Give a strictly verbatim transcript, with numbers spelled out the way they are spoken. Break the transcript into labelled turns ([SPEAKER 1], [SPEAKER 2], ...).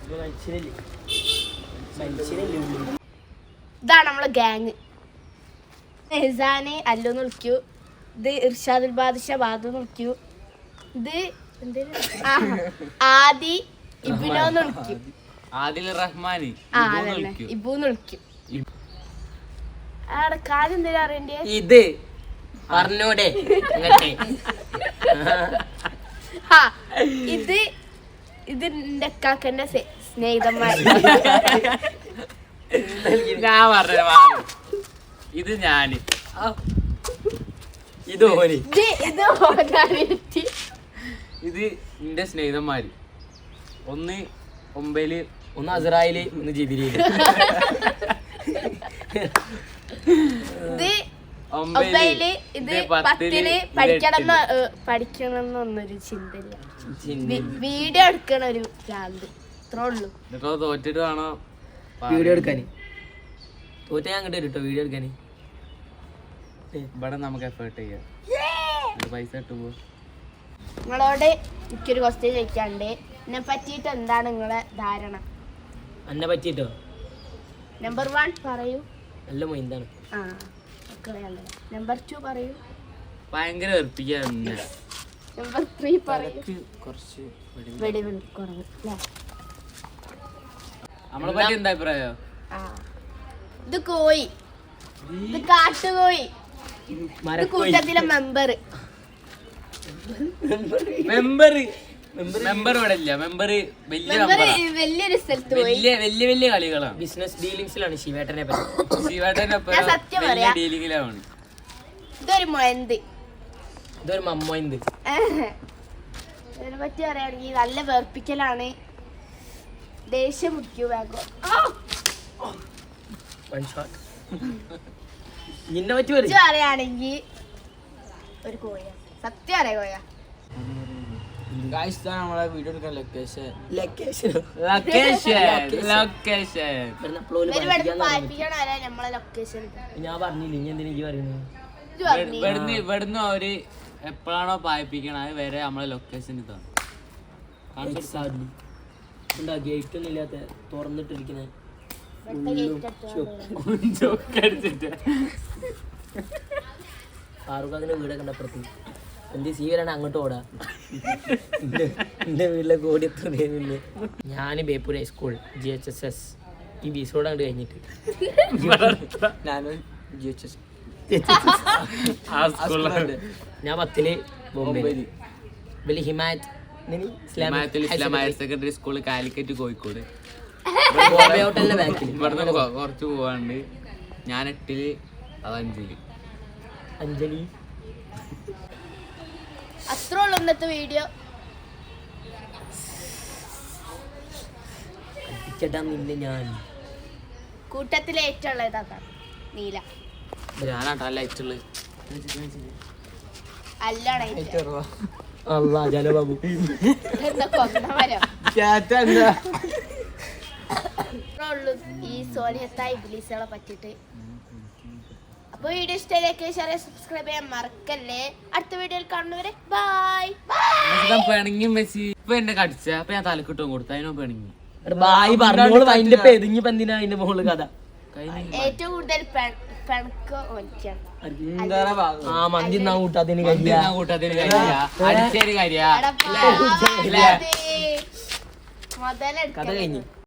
[SPEAKER 1] ഇതാണ് നമ്മളെ ഗ്യാങ്. എഹ്സാന് അല്ലുന്ന് വിളിക്കൂ, ഇത് ഇർഷാദുൽ ബാദിഷ ബാദു വിളിക്കൂ, ഇത് ആദി ഇബിനോന്ന് വിളിക്കും,
[SPEAKER 2] ആദിൽ റഹ്മാനി
[SPEAKER 1] ഇബൂന്ന് വിളിക്കും. ആടെ കാര്യം എന്തെങ്കിലും അറിയണ്ടേ?
[SPEAKER 3] ഇത് പറഞ്ഞൂടെ
[SPEAKER 1] ഇത് ഇത് എന്റെ കാക്കന്റെ സ്നേഹിതന്മാർ.
[SPEAKER 2] ഞാൻ പറഞ്ഞ ഇത് ഞാന്
[SPEAKER 3] ഇത് ഓന്
[SPEAKER 1] ഇത് ഓനാനിറ്റി.
[SPEAKER 2] ഇത് എന്റെ സ്നേഹിതന്മാര്. ഒന്ന് ഒമ്പതില്,
[SPEAKER 3] ഒന്ന് അസറായില്, ഒന്ന് ജിബിരിയില്.
[SPEAKER 1] ഇത് ഒമ്പതില്, ഇത് പത്തില് പഠിക്കണം പഠിക്കണം എന്നൊന്നൊരു ചിന്തയില്ല. വീഡിയോ എടുക്കണ ഒരു ഭ്രാന്ത്, ഇത്രേ ഉള്ളൂ.
[SPEAKER 2] തോറ്റിട്ട് വേണോ
[SPEAKER 3] വീഡിയോ എടുക്കാന്? തോറ്റ ഞാൻ കിട്ടും കേട്ടോ വീഡിയോ എടുക്കാന്.
[SPEAKER 2] ഇവിടെ നമുക്ക് എഫേർട്ട് ചെയ്യാം, പൈസ കിട്ടുമ്പോ.
[SPEAKER 1] നിങ്ങളോട് എനിക്കൊരു ക്വസ്റ്റ്യൻ ചോദിക്കാണ്ട്. എന്നെ പറ്റിയിട്ട് എന്താണ് നിങ്ങളെ ധാരണ?
[SPEAKER 3] എന്നെ പറ്റിട്ടോ
[SPEAKER 1] നമ്പർ വൺ പറയൂ.
[SPEAKER 3] നല്ല മൈന്താണ്.
[SPEAKER 1] ആ നമ്പർ ടു പറയൂ.
[SPEAKER 2] ഭയങ്കര വെറുപ്പിക്കാറുണ്ട്.
[SPEAKER 1] നമ്പർ ത്രീ പറയൂ.
[SPEAKER 2] കുറച്ച്
[SPEAKER 1] വെടിവെടി കുറവ് അല്ലേ?
[SPEAKER 2] നമ്മളെ പറ്റി എന്താ അഭിപ്രായം?
[SPEAKER 1] ആ ഇത് കോയി, ഇത് കാട്ടുകോയി, ഇത് കൂട്ടത്തിലെ മെമ്പർ.
[SPEAKER 2] മെമ്പർ മെമ്പർ ഇവിടെ ഇല്ല. മെമ്പർ വലിയ
[SPEAKER 1] വലിയൊരു സ്ഥലത്ത് പോയി
[SPEAKER 2] വലിയ വലിയ വലിയ കളികളാണ്.
[SPEAKER 3] ബിസിനസ് ഡീലിങ്സിലാണ് ശിവേട്ടനെ പറ്റി.
[SPEAKER 2] ശിവേട്ടനെ
[SPEAKER 1] സത്യം പറയാ,
[SPEAKER 2] ഡീലിങ്ങിലാണ്.
[SPEAKER 1] ഇതൊരു മൊയന്ത്,
[SPEAKER 3] ഇതൊരു മമ്മോന്ത്.
[SPEAKER 1] ഇതിനെ പറ്റി പറയുകയാണെങ്കിൽ നല്ല വേർപ്പിക്കലാണ്. ദേഷ്യം മുടിക്കൂ ബാഗോ.
[SPEAKER 3] നിന്നെ പറ്റി
[SPEAKER 1] പറയുകയാണെങ്കിൽ ഒരു കോയ, സത്യം അറിയാ കോയ.
[SPEAKER 2] നമ്മളെ വീഡിയോ എടുക്കാൻ ലൊക്കേഷൻ
[SPEAKER 3] ലൊക്കേഷൻ
[SPEAKER 2] ലൊക്കേഷൻ
[SPEAKER 1] നമ്മളെ ലൊക്കേഷൻ
[SPEAKER 3] ഞാൻ പറഞ്ഞില്ല. ഇനി എന്തിനാ ഈ പറയുന്നത്?
[SPEAKER 2] ഇവിടുന്ന് ഇവിടുന്ന് അവര് എപ്പോഴാണോ പായിപ്പിക്കണ അത് വരെ നമ്മളെ ലൊക്കേഷൻ ഇതാണ്.
[SPEAKER 3] ഗേറ്റ് ഒന്നും ഇല്ലാത്ത തുറന്നിട്ടിരിക്കുന്ന ഫാറൂഖാദിന്റെ വീടൊക്കെ അപ്പുറത്ത്. എന്റെ സീവരാണ് അങ്ങോട്ട് ഓടാ. എന്റെ വീട്ടിലെ കോടി എത്തുന്നില്ല. ഞാൻ Beypore high school G H S S ഈ ബീസോട് അങ്ങോട്ട് കഴിഞ്ഞിട്ട്
[SPEAKER 2] ജി എച്ച് എസ്
[SPEAKER 3] ഞാൻ പത്തില് ബോംബെ വലിയ Himayath
[SPEAKER 2] Islam higher secondary school Calicut Kozhikode.
[SPEAKER 3] ഹോട്ടലിന്റെ ബാക്കിൽ
[SPEAKER 2] ഇവിടുന്ന് കുറച്ച് പോവാണ്ട്. ഞാൻ എട്ടില്, അത് അഞ്ചില്.
[SPEAKER 3] അഞ്ജലി
[SPEAKER 1] അത്രേ ഉള്ളൂ ഇന്നത്തെ വീഡിയോ.
[SPEAKER 3] ചേട്ടാന്നില്ല ഞാൻ
[SPEAKER 1] കൂട്ടത്തിലെ ഏറ്റവും ഉള്ളത് നീല.
[SPEAKER 2] ഞാനാട്ടല്ല ഏറ്റവും
[SPEAKER 1] അല്ലാണ്
[SPEAKER 3] ജനബാബു.
[SPEAKER 1] ഈ സോനിയത്തായി ഇബ്ലീസുകളെ പറ്റിയിട്ട്. അപ്പൊ വീഡിയോ ഇഷ്ടമായിലേക്ക് ഷെയർ സബ്സ്ക്രൈബ് ചെയ്യാൻ മറക്കല്ലേ. അടുത്ത വീഡിയോയിൽ കാണുന്നവരെ ബൈ.
[SPEAKER 2] പിണങ്ങി മെസ്സി ഇപ്പൊ എന്നെ കടിച്ച അപ്പൊ ഞാൻ തലക്കിട്ടും കൊടുത്തു. അതിനോ പിണങ്ങി
[SPEAKER 3] ബായി പറഞ്ഞോളൂ. അതിന്റെ പെതിഞ്ഞിപ്പോ എന്തിനാ അതിന്റെ മുകളിൽ കഥ?
[SPEAKER 1] ഏറ്റവും കൂടുതൽ പിണക്ക് ഓനിക്കാണ്.
[SPEAKER 3] ആ മന്തി കൂട്ടാത്തിന്
[SPEAKER 2] കൂട്ടാത്തിന് അടിച്ചേരി കാര്യ
[SPEAKER 1] മുതലെടുക്ക
[SPEAKER 3] കഥ കഴിഞ്ഞു.